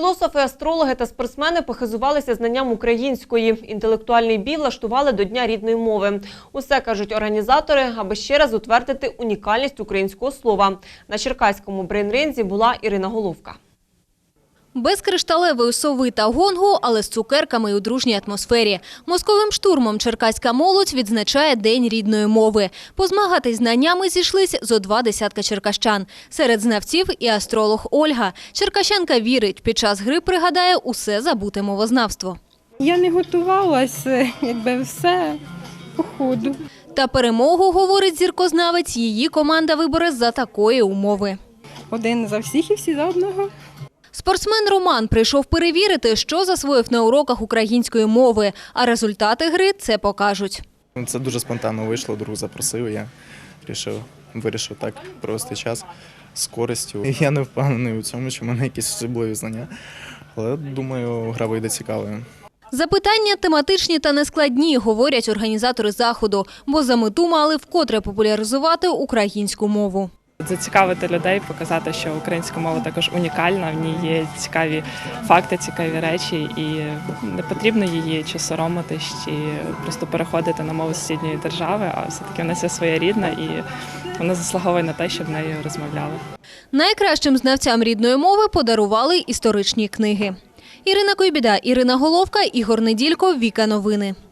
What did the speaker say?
Філософи, астрологи та спортсмени похизувалися знанням української. Інтелектуальний бій влаштували до Дня рідної мови. Усе, кажуть організатори, аби ще раз утвердити унікальність українського слова. На черкаському брейн-ринзі була Ірина Головка. Без кришталевої сови та гонгу, але з цукерками і у дружній атмосфері. Мозковим штурмом черкаська молодь відзначає День рідної мови. Позмагатись знаннями зійшлись зо 20 черкащан. Серед знавців і астролог Ольга. Черкащанка вірить, під час гри пригадає усе забуте мовознавство. Я не готувалася, все по ходу. Та перемогу, говорить зіркознавець, її команда вибере за такої умови. Один за всіх і всі за одного. Спортсмен Роман прийшов перевірити, що засвоїв на уроках української мови, а результати гри це покажуть. Це дуже спонтанно вийшло, друг запросив, я вирішив так провести час з користю. Я не впевнений у цьому, що в мене якісь особливі знання, але думаю, гра вийде цікавою. Запитання тематичні та нескладні, говорять організатори заходу, бо за мету мали вкотре популяризувати українську мову. Зацікавити людей, показати, що українська мова також унікальна, в ній є цікаві факти, цікаві речі, і не потрібно її чи соромитись, чи просто переходити на мову сусідньої держави, а все-таки вона своя рідна і вона заслуговує на те, щоб нею розмовляли. Найкращим знавцям рідної мови подарували історичні книги. Ірина Койбіда, Ірина Головка, Ігор Неділько, Віка Новини.